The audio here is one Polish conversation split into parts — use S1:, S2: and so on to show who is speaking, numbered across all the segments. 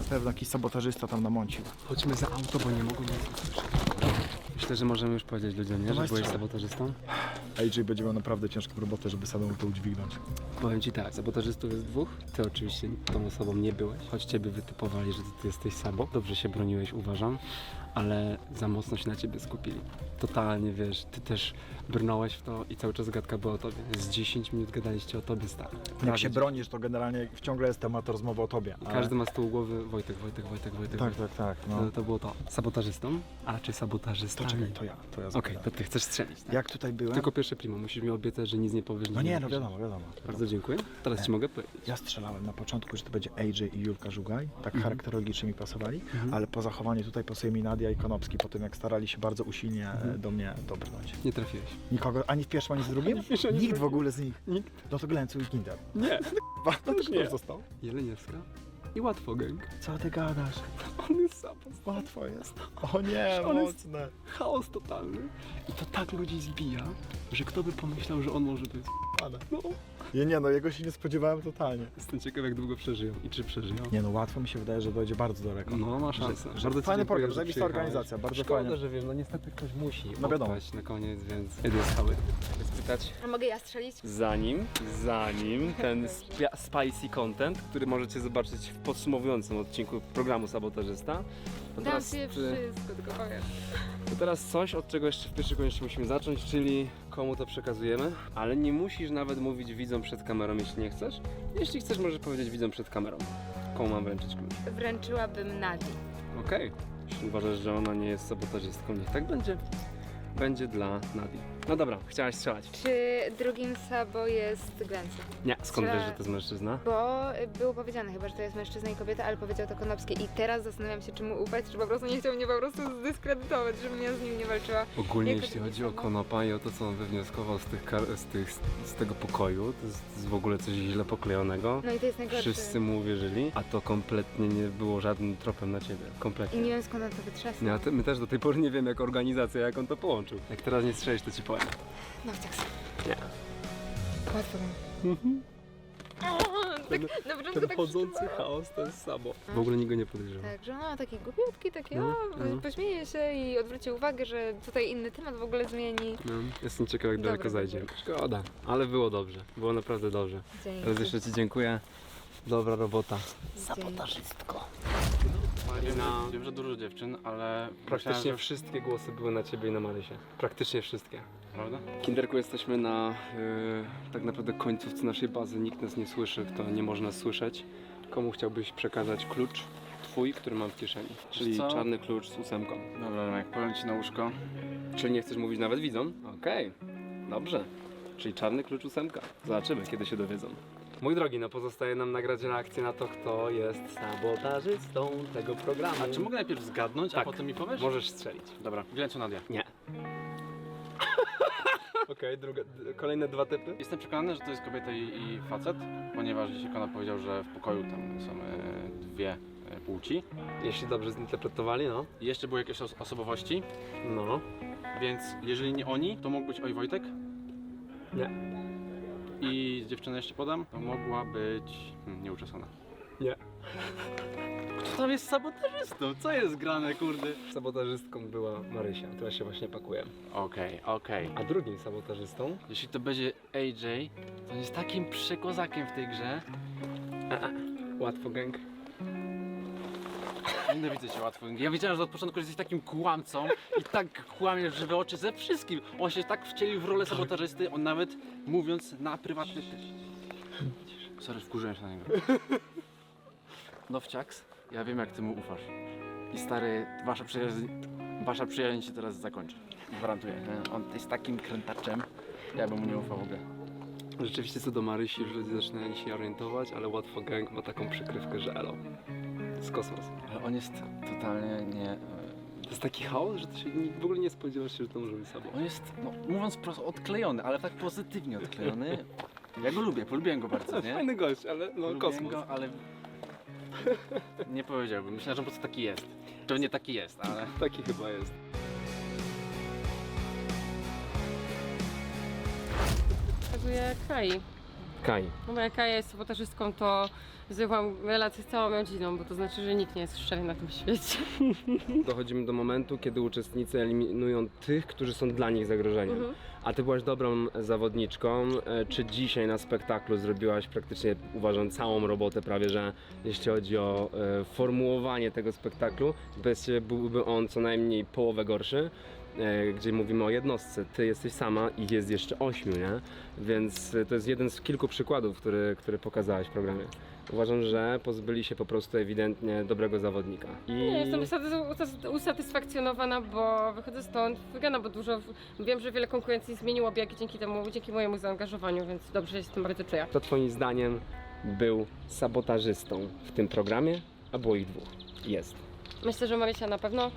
S1: pewno jakiś sabotażysta tam namącił.
S2: Chodźmy za auto, bo nie mogą nas usłyszeć. Myślę, że możemy już powiedzieć ludziom, nie? Że
S1: Dawaj,
S2: byłeś
S1: strzelaj.
S2: sabotażystą?
S1: AJ będzie miał naprawdę ciężką robotę, żeby samemu to udźwignąć.
S2: Powiem ci tak, sabotażystów jest dwóch. Ty oczywiście tą osobą nie byłeś. Choć ciebie wytypowali, że ty jesteś sabo. Dobrze się broniłeś, uważam. Ale za mocno się na ciebie skupili. Totalnie, wiesz, ty też brnąłeś w to i cały czas gadka była o tobie. Z 10 minut gadaliście o tobie, stary.
S1: Jak się bronisz, to generalnie ciągle jest temat rozmowy o tobie. ale-
S2: Każdy ma z tyłu głowy Wojtek.
S1: Tak, no.
S2: To było to. Sabotażystą? A czy sabotażystami?
S1: To czekaj, to ja
S2: Okej,
S1: zapytam.
S2: to ty chcesz strzelić, tak?
S1: Jak tutaj byłem?
S2: Tylko pierwsze primo, musisz mi obiecać, że nic nie powiesz.
S1: No
S2: nic
S1: nie, no
S2: napiszesz.
S1: wiadomo.
S2: Bardzo dziękuję. Teraz ci mogę powiedzieć.
S1: Ja strzelałem na początku, że to będzie AJ i Julka Żugaj, tak charakterologicznie mi pasowali, ale po zachowaniu tutaj pasuje mi Nadia i Konopski, po tym jak starali się bardzo usilnie do mnie dobrnąć.
S2: Nie trafiłeś.
S1: Nikogo, ani w pierwszym, ani w drugim?
S2: w pierwszym, ani w
S1: Nikt w
S2: drugim.
S1: ogóle z nich.
S2: Nikt.
S1: No to Glencu i Kinder.
S2: Nie.
S1: No to
S2: Już nie.
S1: kto został?
S2: Jeleniewska i Łatwo Gang.
S1: Co ty gadasz?
S2: On jest sabo.
S1: Łatwo jest. O nie,
S2: On jest-
S1: mocne.
S2: Chaos totalny. I to tak ludzi zbija, że kto by pomyślał, że on może być.
S1: Ale.
S2: No.
S1: Nie no, jego się nie spodziewałem totalnie.
S2: Jestem ciekaw, jak długo przeżyją i czy przeżyją.
S1: Nie no, łatwo mi się wydaje, że dojdzie bardzo daleko.
S2: No, ma szansę.
S1: Że
S2: Bardzo ci
S1: fajny
S2: dziękuję,
S1: program,
S2: że
S1: zajebista
S2: przyjechałeś.
S1: organizacja, bardzo
S2: Szkoda,
S1: fajnie.
S2: że wiesz, no niestety ktoś musi
S1: No wiadomo.
S2: odpaść na koniec, więc jedę z hały. Spytać.
S3: A mogę ja strzelić?
S2: Zanim ten spicy content, który możecie zobaczyć w podsumowującym odcinku programu Sabotażysta, to
S3: Dam się wszystko, tylko powiem.
S2: to teraz coś, od czego jeszcze w pierwszej kolejności musimy zacząć, czyli komu to przekazujemy, ale nie musisz nawet mówić widzom przed kamerą, jeśli nie chcesz. Jeśli chcesz, możesz powiedzieć widzom przed kamerą. Komu mam wręczyć klucz?
S3: Wręczyłabym Nadii.
S2: Okej. Jeśli uważasz, że ona nie jest sabotażystką, niech tak będzie. Będzie dla Nadii. No dobra, chciałaś strzelać.
S3: Czy drugim Sabo jest Glencu?
S2: Nie, skąd wiesz, że to jest mężczyzna?
S3: Bo było powiedziane chyba, że to jest mężczyzna i kobieta, ale powiedział to Konopski. I teraz zastanawiam się, czy mu ufać, czy po prostu nie chciał mnie po prostu zdyskredytować, żebym ja z nim nie walczyła.
S2: Ogólnie
S3: Jako
S2: jeśli
S3: drugi
S2: chodzi o
S3: Sabo.
S2: Konopa i o to, co on wywnioskował z tego pokoju, to jest w ogóle coś źle poklejonego.
S3: No i to jest najgorsze.
S2: Wszyscy mu uwierzyli, a to kompletnie nie było żadnym tropem na ciebie.
S3: I
S2: Kompletnie.
S3: nie wiem, skąd on to wytrzasnął.
S2: Nie, my też do tej pory nie wiemy, jak organizacja, jak on to połączył. Jak teraz nie strzelisz, to ci powiem.
S3: No tak.
S2: Nie.
S3: Łatwo. Tak, na początku
S2: Ten
S3: tak
S2: chodzący
S3: przeczuwałam.
S2: chaos to jest Sabo. W ogóle nikt go nie podejrzewa.
S3: Tak, że no taki głupiutki, taki
S2: No.
S3: pośmieje się i odwróci uwagę, że tutaj inny temat w ogóle zmieni.
S2: No, jestem ciekaw, jak
S3: Dobra,
S2: daleko zajdzie.
S3: dobra.
S2: Szkoda, ale było dobrze. Było naprawdę dobrze.
S3: Dzięki.
S2: Teraz jeszcze ci dziękuję. Dobra robota.
S3: Sabotażystko.
S2: Marina.
S4: Wiem, że dużo dziewczyn, ale
S2: Praktycznie
S4: myślałem,
S2: wszystkie głosy były na ciebie i na Marysię. Praktycznie wszystkie.
S4: że... Prawda?
S2: Kinderku, jesteśmy na tak naprawdę końcówce naszej bazy. Nikt nas nie słyszy, kto nie może nas słyszeć. Komu chciałbyś przekazać klucz twój, który mam w kieszeni? Czyli
S4: co?
S2: czarny klucz z 8.
S4: Dobra, jak powiem ci na łóżko.
S2: Czyli nie chcesz mówić nawet widzom? Okej, dobrze. Czyli czarny klucz 8. Zobaczymy, kiedy się dowiedzą. Mój drogi, no pozostaje nam nagrać reakcję na to, kto jest sabotażystą tego programu.
S4: A czy mogę najpierw zgadnąć,
S2: Tak.
S4: a potem mi powiesz?
S2: Możesz strzelić.
S4: Dobra, Glencu Nadia.
S2: Nie. Okej, kolejne dwa typy.
S4: Jestem przekonany, że to jest kobieta i facet, ponieważ dzisiaj Kona powiedział, że w pokoju tam są dwie płci.
S2: Jeśli dobrze zinterpretowali, no.
S4: I jeszcze były jakieś osobowości,
S2: No.
S4: więc jeżeli nie oni, to mógł być Oj Wojtek.
S2: Nie.
S4: I dziewczynę jeszcze podam, to mogła być nieuczesana.
S2: Nie.
S4: Kto tam jest sabotażystą? Co jest grane, kurde?
S2: Sabotażystką była Marysia, która się właśnie pakuje.
S4: Okej.
S2: A drugim sabotażystą
S4: Jeśli to będzie AJ, to on jest takim przekozakiem w tej grze.
S2: Łatwo Gang.
S4: Nienawidzę cię łatwo. Ja wiedziałem, że od początku jesteś takim kłamcą i tak kłamiesz w żywe oczy ze wszystkim. On się tak wcielił w rolę sabotażysty, on nawet mówiąc na prywatny... Sorry, wkurzyłem się na niego. Nowciaks, ja wiem jak ty mu ufasz. I stary, wasza przyjaźń się teraz zakończy. Gwarantuję. Nie? On jest takim krętaczem, ja bym mu nie ufał w ogóle.
S2: Rzeczywiście co do Marysi już ludzie zaczynają się orientować, ale Łatwo Gang ma taką przykrywkę, że elo. Z kosmos.
S4: Ale on jest totalnie nie...
S2: To jest taki chaos, że ty się w ogóle nie spodziewasz się, że to może być sobą.
S4: On jest, no, mówiąc prosto, odklejony, ale tak pozytywnie odklejony. Ja go lubię, polubiłem go bardzo, nie?
S2: Fajny gość, ale no
S4: Polubiłem
S2: kosmos.
S4: go, ale... Nie powiedziałbym, myślę, że on po prostu taki jest. Pewnie taki jest, ale...
S2: Taki chyba jest.
S5: Pokazuje Kai.
S2: Kaj.
S5: No bo jak ja jest sabotażystką, to zwykłam relację z całą rodziną, bo to znaczy, że nikt nie jest szczery na tym świecie.
S2: Dochodzimy do momentu, kiedy uczestnicy eliminują tych, którzy są dla nich zagrożeniem. A ty byłaś dobrą zawodniczką. Czy dzisiaj na spektaklu zrobiłaś praktycznie, uważam, całą robotę prawie, że jeśli chodzi o formułowanie tego spektaklu, bez ciebie byłby on co najmniej połowę gorszy. Gdzie mówimy o jednostce, ty jesteś sama i jest jeszcze 8, nie? Więc to jest jeden z kilku przykładów, który pokazałaś w programie. Uważam, że pozbyli się po prostu ewidentnie dobrego zawodnika.
S5: Nie, jestem usatysfakcjonowana, bo wychodzę stąd wygrana, bo wiem, że wiele konkurencji zmieniło biegi dzięki mojemu zaangażowaniu, więc dobrze się z tym bardzo czuję.
S2: Kto twoim zdaniem był sabotażystą w tym programie, a było ich 2? Jest.
S5: Myślę, że Marysia na pewno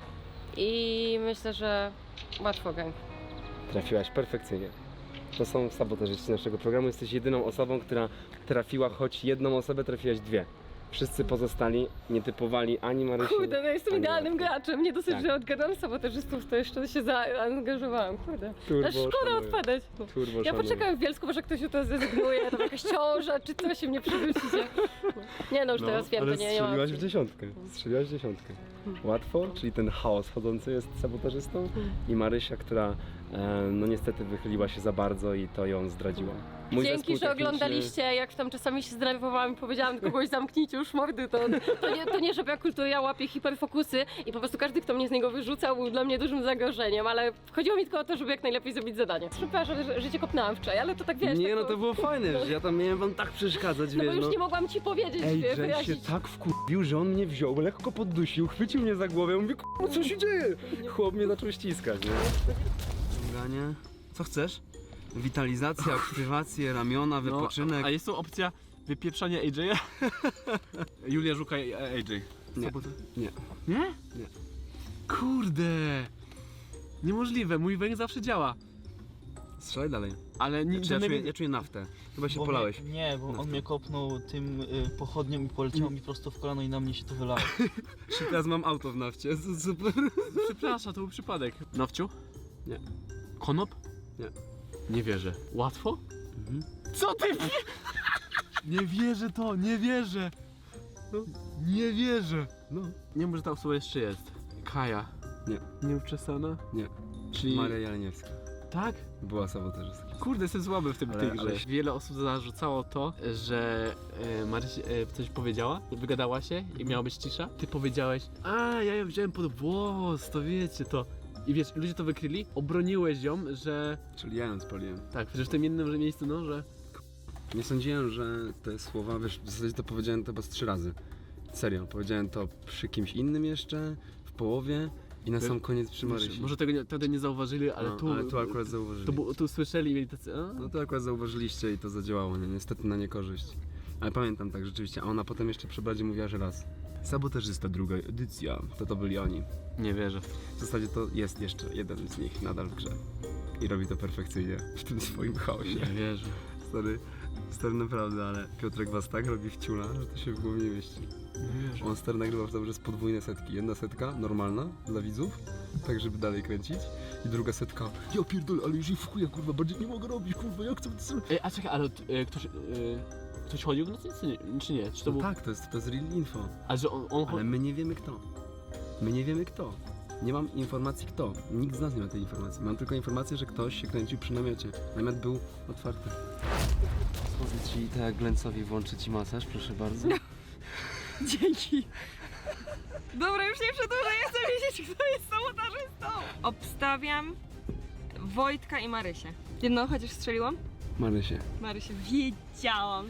S5: i myślę, że łatwo gang.
S2: Trafiłaś perfekcyjnie. To są sabotażyści naszego programu. Jesteś jedyną osobą, która trafiła choć jedną osobę, trafiłaś 2. Wszyscy pozostali nie typowali ani Marysi.
S5: Kurde, no jestem
S2: ani
S5: idealnym
S2: Marty.
S5: graczem. Nie dosyć,
S2: Tak.
S5: że odgadam sabotażystów, to jeszcze się zaangażowałam. Kurde.
S2: Turbo
S5: Ale szkoda
S2: szanuję.
S5: odpadać.
S2: Turbo
S5: Ja
S2: szanuję.
S5: poczekam w Bielsku, może ktoś to zrezygnuje, tam jakaś ciąża, czy coś mnie przywrócicie. Nie no, już teraz wiem,
S2: ale
S5: to nie ma
S2: strzeliłaś w
S5: opcji.
S2: dziesiątkę. Strzeliłaś w dziesiątkę. Łatwo, czyli ten chaos wchodzący jest sabotażystą i Marysia, która no niestety wychyliła się za bardzo i to ją zdradziła. Mój
S5: Dzięki,
S2: zespół
S5: że
S2: techniczny-
S5: oglądaliście, jak tam czasami się zdenerwowałam i powiedziałam do kogoś zamknijcie już mordy, to nie, żeby ja kultura łapię hiperfokusy i po prostu każdy, kto mnie z niego wyrzucał, był dla mnie dużym zagrożeniem, ale chodziło mi tylko o to, żeby jak najlepiej zrobić zadanie. Przepraszam, że cię kopnęłam wczoraj, ale to tak wiesz.
S2: Nie
S5: tak
S2: no, to było fajne, że ja tam miałem wam tak przeszkadzać,
S5: No bo
S2: wiesz,
S5: już
S2: no.
S5: nie mogłam ci powiedzieć,
S2: Ej,
S5: wiesz,
S2: Jay się
S5: wyjaśnić.
S2: tak wkurwił, że on mnie wziął, lekko poddusił, chwycił mnie za głowę, mówię, co się dzieje? Chłop mnie zaczął ściskać, nie?
S6: Ciąganie. Co chcesz? Witalizacja, aktywacje, ramiona, wypoczynek.
S4: A jest tu opcja wypieprzania AJ-a? Julia Żuka i AJ.
S6: Nie. Nie.
S4: Nie?
S6: Nie.
S4: Kurde! Niemożliwe, mój węg zawsze działa.
S6: Strzelaj dalej.
S4: Ale nie,
S6: Znaczy, ja czuję naftę. Chyba się polałeś.
S7: Nie, bo on mnie kopnął tym pochodnią i poleciało mi prosto w kolano i na mnie się to wylało.
S6: Teraz mam auto w nafcie. Super.
S4: Przepraszam, to był przypadek. Nowciu?
S6: Nie.
S4: Konop?
S6: Nie.
S4: Nie wierzę. Łatwo?
S6: Mhm.
S4: Co ty? Nie wierzę to, nie wierzę. Nie wierzę.
S6: No.
S4: Nie wiem, że ta osoba jeszcze jest. Kaja.
S6: Nie.
S4: Nieuczesana?
S6: Nie.
S4: Czyli...
S6: Maria Jeleniewska.
S4: Tak?
S6: Była sabotażystka.
S4: Kurde, jestem słaby w tym tej grze.
S6: ale-
S4: Wiele osób zarzucało to, że Marysia coś powiedziała, wygadała się i miała być cisza. Ty powiedziałeś, a ja ją wziąłem pod włos, to wiecie to. I wiesz, ludzie to wykryli, obroniłeś ją, że...
S6: Czyli ja ją spaliłem.
S4: Tak, przecież w tym jednym miejscu, no, że...
S6: Nie sądziłem, że te słowa, wiesz, w zasadzie to powiedziałem to chyba z 3 razy. Serio, powiedziałem to przy kimś innym jeszcze, w połowie i na sam koniec przy Marysi.
S4: Może tego wtedy nie zauważyli, ale
S6: No,
S4: tu...
S6: ale tu akurat zauważyli.
S4: Tu słyszeli i mieli tacy... A?
S6: No to akurat zauważyliście i to zadziałało, nie? Niestety na niekorzyść. Ale pamiętam tak rzeczywiście, a ona potem jeszcze przy Bradzie mówiła, że raz. Sabotażysta, druga edycja, to byli oni.
S4: Nie wierzę.
S6: W zasadzie to jest jeszcze jeden z nich nadal w grze. I robi to perfekcyjnie w tym swoim chaosie.
S4: Nie wierzę.
S6: Stary naprawdę, ale Piotrek was tak robi wciula, że to się w głowie nie mieści.
S4: Nie wierzę.
S6: On stary nagrywa w dobrze z podwójne setki. Jedna setka normalna dla widzów, tak żeby dalej kręcić. I druga setka, ja pierdolę, ale już jej w chuja, kurwa, bardziej nie mogę robić, kurwa, jak chcę...
S4: Ej, a czekaj, ale ktoś chodził w nocy, czy nie? Czy to
S6: No
S4: był...
S6: tak, to jest real info.
S4: A że on
S6: Ale my nie wiemy kto. My nie wiemy kto. Nie mam informacji kto. Nikt z nas nie ma tej informacji. Mam tylko informację, że ktoś się kręcił przy namiocie. Namiot był otwarty. Pozwolę ci tak Glencowi włączyć ci masaż, proszę bardzo.
S8: Dzięki. Dobra, już nie przedłużaj, chcę wiedzieć, kto jest sabotażystą. Obstawiam Wojtka i Marysię. Jedną chociaż strzeliłam?
S6: Marysie.
S8: Marysię, wiedziałam!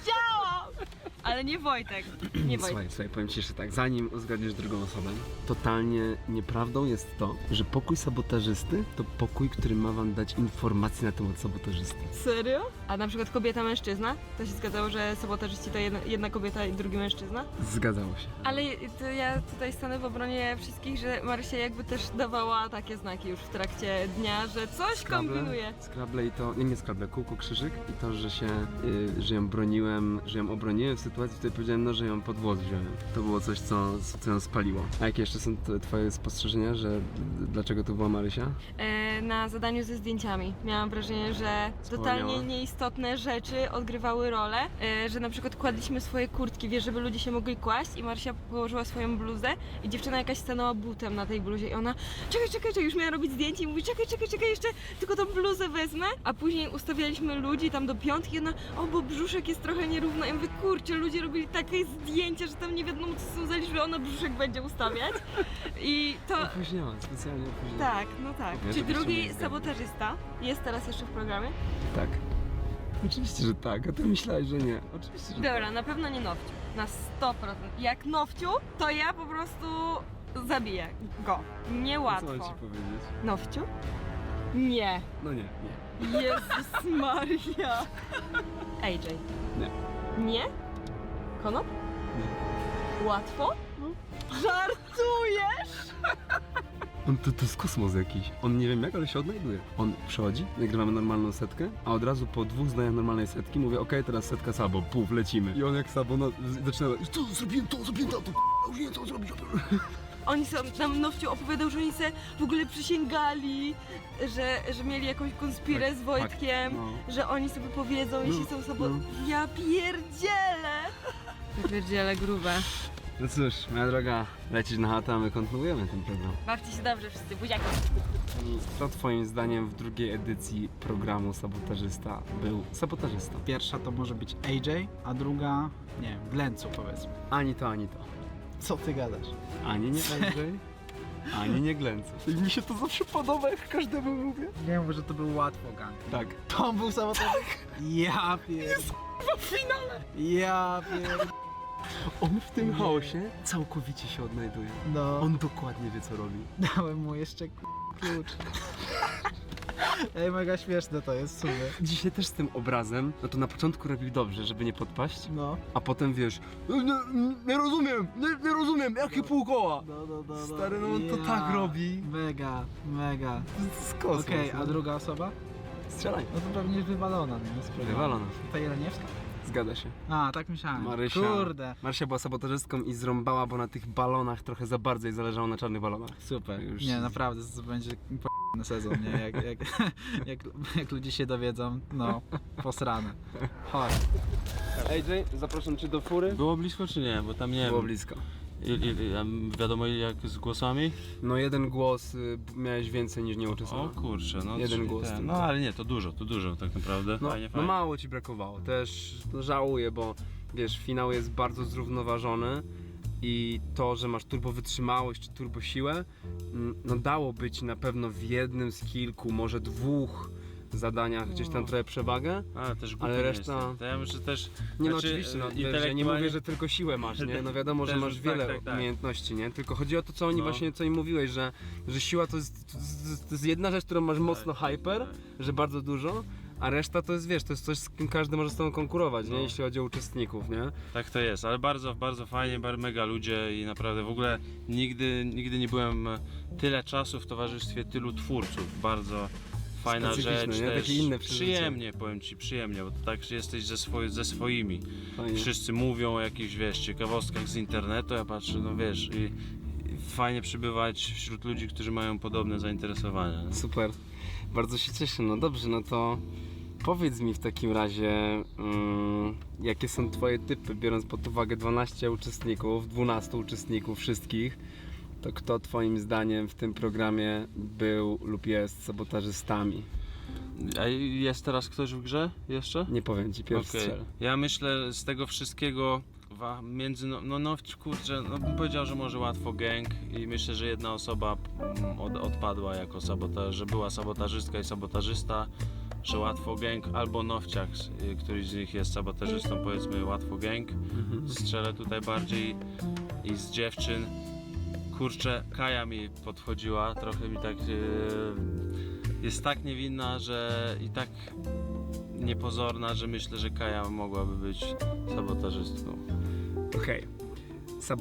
S8: Ale nie Wojtek. Nie Wojtek.
S6: Słuchaj, powiem ci jeszcze tak, zanim uzgadniesz drugą osobę, totalnie nieprawdą jest to, że pokój sabotażysty to pokój, który ma wam dać informacje na temat sabotażysty.
S8: Serio? A na przykład kobieta-mężczyzna? To się zgadzało, że sabotażyści to jedna kobieta i drugi mężczyzna?
S6: Zgadzało się.
S8: Ale to ja tutaj stanę w obronie wszystkich, że Marysia jakby też dawała takie znaki już w trakcie dnia, że coś kombinuje.
S6: Scrabble i to, nie Scrabble, kółko, krzyżyk i to, że się, że ją broniłem, że ją obroniłem w sytuacji, w której powiedziałem, no, że ją pod włos wziąłem. To było coś, co ją spaliło. A jakie jeszcze są twoje spostrzeżenia, że dlaczego to była Marysia?
S8: na zadaniu ze zdjęciami. Miałam wrażenie, że totalnie nieistotne rzeczy odgrywały rolę, że na przykład kładliśmy swoje kurtki, wiesz, żeby ludzie się mogli kłaść i Marysia położyła swoją bluzę i dziewczyna jakaś stanęła butem na tej bluzie i ona czekaj, już miała robić zdjęcie i mówi czekaj, jeszcze tylko tą bluzę wezmę, a później ustawialiśmy ludzi tam do piątki i ona, bo brzuszek jest trochę nierówno. Ja mówię, kurczę, ludzie robili takie zdjęcia, że tam nie wiadomo co są zaliczyć, że ona brzuszek będzie ustawiać i to...
S6: Opóźniałem, specjalnie opóźniałem.
S8: Tak, no tak.
S6: Ja
S8: Czy
S6: to byście
S8: drugi
S6: mnie zgadli.
S8: sabotażysta jest teraz jeszcze w programie?
S6: Tak. Oczywiście, że tak, a ty myślałeś, że nie. Oczywiście, że
S8: Dobra, na pewno nie Nowciu. Na 100%. Jak Nowciu, to ja po prostu zabiję go.
S6: tak.
S8: Niełatwo.
S6: Co mam ci powiedzieć?
S8: Nowciu? Nie.
S6: No nie.
S8: Jezus Maria. AJ.
S6: Nie.
S8: Nie? Konop?
S6: Nie.
S8: Łatwo? Żartujesz?
S6: To jest kosmos jakiś. On nie wiem jak, ale się odnajduje. On przychodzi, nagrywamy normalną setkę, a od razu po 2 zdaniach normalnej setki mówię, okej, teraz setka Sabo, puf, lecimy. I on jak Sabo zaczyna, zrobiłem to, już nie wiem co zrobić.
S8: Oni nam Nowciu opowiadał, że oni se w ogóle przysięgali, że mieli jakąś konspirę z Wojtkiem, że oni sobie powiedzą, jeśli są sobą. Ja pierdzielę! Ja pierdzielę grube.
S6: No cóż, moja droga, lecisz na chatę, a my kontynuujemy ten program.
S8: Bawcie się dobrze wszyscy, buziaki.
S6: I kto twoim zdaniem w drugiej edycji programu Sabotażysta był sabotażystą?
S1: Pierwsza to może być AJ, a druga, nie wiem, Glencu powiedzmy.
S6: Ani to, ani to.
S1: Co ty gadasz?
S6: Ani nie AJ, ani nie Glencu. I mi się to zawsze podoba, jak każdemu mówię.
S1: Nie mówię, że to był łatwo gang.
S6: Tak.
S1: To był sabotaż? Ja pierd...
S6: W finale!
S1: Ja pierd...
S6: On w tym chaosie całkowicie się odnajduje.
S1: No,
S6: On dokładnie wie, co robi.
S1: dałem mu jeszcze klucz. Ej, mega śmieszne to jest, super.
S6: Dzisiaj też z tym obrazem, no to na początku robił dobrze, żeby nie podpaść,
S1: No.
S6: a potem wiesz, nie rozumiem, jakie pół koła.
S1: No.
S6: Stary, no on to tak robi.
S1: Mega.
S6: To jest kosmos.
S1: Okej,
S6: no.
S1: a druga osoba?
S6: Strzelaj.
S1: No to pewnie wywalona, nie? Z programu.
S6: Wywalona.
S1: Ta Jeleniewska?
S6: Zgadza się.
S1: A, tak myślałem.
S6: Marysia.
S1: Kurde.
S6: Marysia była sabotażystką i zrąbała, bo na tych balonach trochę za bardzo jej zależało na czarnych balonach.
S1: Super.
S6: Już-
S1: Nie, naprawdę, to będzie na sezon, nie? Jak ludzie się dowiedzą, no, posrane. Chodź.
S6: AJ, zapraszam cię do fury.
S4: Było blisko czy nie? Bo tam nie
S6: Było
S4: wiem.
S6: blisko.
S4: Wiadomo jak z głosami?
S6: No jeden głos miałeś więcej niż
S4: O
S6: nieuczesany.
S4: kurczę, no
S6: Jeden
S4: czyli
S6: głos
S4: ten.
S6: tylko.
S4: No ale nie, to dużo tak naprawdę.
S6: No,
S4: Fajnie,
S6: no
S4: fajnie.
S6: mało ci brakowało. Też żałuję, bo wiesz, finał jest bardzo zrównoważony i to, że masz turbo wytrzymałość czy turbo siłę, no dałoby ci na pewno w jednym z kilku, może 2 zadaniach gdzieś tam trochę przewagę.
S4: Ale też głupi
S6: Ale
S4: nie
S6: reszta-
S4: jestem. To ja myślę też...
S6: Nie no
S4: Znaczy,
S6: oczywiście, no, wiesz,
S4: intelektualnie-
S6: ja nie mówię, że tylko siłę masz, nie? No wiadomo, że
S4: Też
S6: masz
S4: tak,
S6: wiele
S4: tak.
S6: umiejętności, nie? Tylko chodzi o to, co oni
S4: No.
S6: właśnie, co im mówiłeś, że siła to jest jedna rzecz, którą masz mocno hyper,
S4: tak.
S6: że bardzo dużo, a reszta to jest, wiesz, to jest coś, z kim każdy może z tobą konkurować,
S4: No.
S6: nie? Jeśli chodzi o uczestników, nie?
S4: Tak to jest, ale bardzo fajnie, mega ludzie i naprawdę w ogóle nigdy nie byłem tyle czasu w towarzystwie tylu twórców. Bardzo fajna
S6: Specyficzne,
S4: rzecz,
S6: nie?
S4: też
S6: Takie inne przeżycie.
S4: przyjemnie, powiem ci, przyjemnie, bo to tak jesteś ze swoimi.
S6: Fajnie.
S4: Wszyscy mówią o jakichś, wiesz, ciekawostkach z internetu, ja patrzę, no wiesz, i fajnie przybywać wśród ludzi, którzy mają podobne zainteresowania.
S6: Super, bardzo się cieszę, no dobrze, no to powiedz mi w takim razie, jakie są twoje typy, biorąc pod uwagę 12 uczestników, 12 uczestników wszystkich, to kto twoim zdaniem w tym programie był lub jest sabotażystami?
S4: A jest teraz ktoś w grze jeszcze?
S6: Nie powiem ci, pierwszy
S4: Okej.
S6: strzel.
S4: Ja myślę z tego wszystkiego między, kurczę, no bym powiedział, że może łatwo gang i myślę, że jedna osoba odpadła jako sabotaż, że była sabotażystka i sabotażysta, że łatwo gang albo Nowciak, któryś z nich jest sabotażystą, powiedzmy łatwo gang. Strzelę tutaj bardziej i z dziewczyn. Kurczę, Kaja mi podchodziła, trochę mi tak jest tak niewinna, że i tak niepozorna, że myślę, że Kaja mogłaby być sabotażystką.
S6: Okej.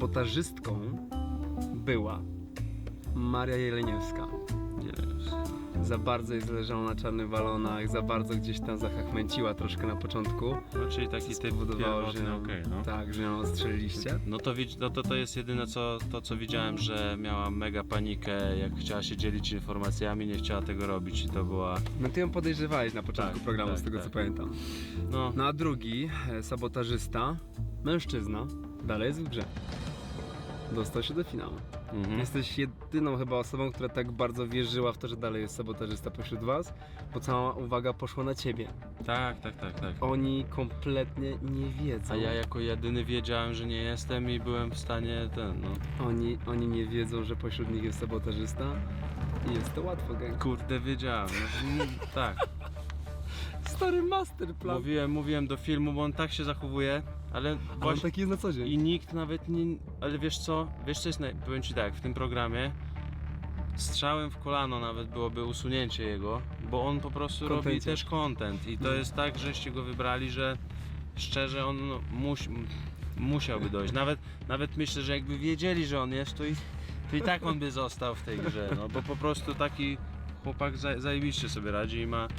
S6: Sabotażystką była Maria Jeleniewska.
S4: Nie wiem.
S6: za bardzo jej zależało na czarnych balonach, za bardzo gdzieś tam zachachmęciła troszkę na początku.
S4: No, czyli taki
S6: Co
S4: typ
S6: spowodowało, że
S4: pierwotny, okej, no.
S6: tak, że ją ostrzeliliście.
S4: No to jest jedyne co widziałem, że miała mega panikę, jak chciała się dzielić informacjami, nie chciała tego robić i to była...
S6: No ty ją podejrzewałeś na początku
S4: Tak,
S6: programu,
S4: tak,
S6: z tego
S4: tak.
S6: co pamiętam.
S4: No,
S6: No a drugi, sabotażysta, mężczyzna, dalej jest w grze. Dostał się do finału. Jesteś jedyną chyba osobą, która tak bardzo wierzyła w to, że dalej jest sabotażysta pośród was, bo cała uwaga poszła na ciebie.
S4: tak.
S6: Oni kompletnie nie wiedzą.
S4: A ja jako jedyny wiedziałem, że nie jestem i byłem w stanie
S6: Oni nie wiedzą, że pośród nich jest sabotażysta i jest to łatwo, gang.
S4: Kurde, wiedziałem. No, tak.
S6: Stary masterplan.
S4: Mówiłem do filmu, bo on tak się zachowuje, ale
S6: Ale on
S4: właśnie...
S6: taki jest na co dzień.
S4: I nikt nawet nie... Ale wiesz co jest... Powiem ci tak, w tym programie strzałem w kolano nawet byłoby usunięcie jego, bo on po prostu robi
S6: Kontencie.
S4: też content i to jest tak, żeście go wybrali, że szczerze on musiałby dojść. Nawet myślę, że jakby wiedzieli, że on jest, to i tak on by został w tej grze, no bo po prostu taki chłopak zajebiście sobie radzi i ma...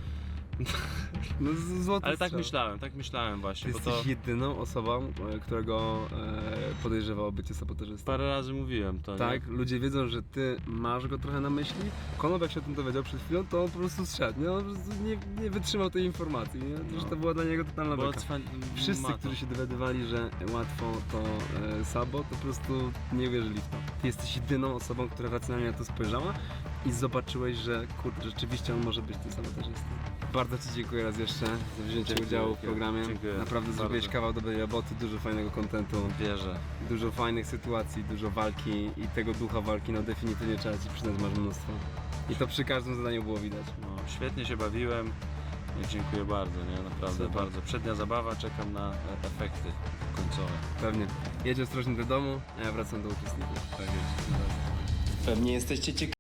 S6: No, złoty
S4: Ale tak
S6: strzał.
S4: myślałem właśnie,
S6: Ty
S4: bo to
S6: jesteś jedyną osobą, którego podejrzewał o bycie sabotażystą.
S4: parę razy mówiłem to,
S6: Tak,
S4: nie?
S6: ludzie wiedzą, że ty masz go trochę na myśli. Konop jak się o tym dowiedział przed chwilą, to on po prostu zszedł, nie? On po prostu nie wytrzymał tej informacji, nie? Że to była dla niego totalna
S4: Bo
S6: beka. Wszyscy,
S4: ma to.
S6: którzy się dowiadywali, że łatwo to Sabo, to po prostu nie uwierzyli w to. Ty jesteś jedyną osobą, która racjonalnie na to spojrzała i zobaczyłeś, że kurde, rzeczywiście on może być tym sabotażystą. Bardzo ci dziękuję raz jeszcze za wzięcie
S4: Dziękuję,
S6: udziału w programie.
S4: dziękuję.
S6: Naprawdę
S4: Bardzo.
S6: zrobiłeś kawał dobrej roboty, dużo fajnego kontentu.
S4: Wierzę.
S6: Dużo fajnych sytuacji, dużo walki i tego ducha walki, no definitywnie trzeba ci przyznać, masz mnóstwo. I to przy każdym zadaniu było widać.
S4: No, świetnie się bawiłem. No, dziękuję bardzo, nie? Naprawdę
S6: Super.
S4: bardzo. Przednia zabawa, czekam na efekty końcowe.
S6: Pewnie. Jedź ostrożnie do domu, a ja wracam do uczestników.
S4: Tak jest.
S9: Pewnie jesteście ciekawi.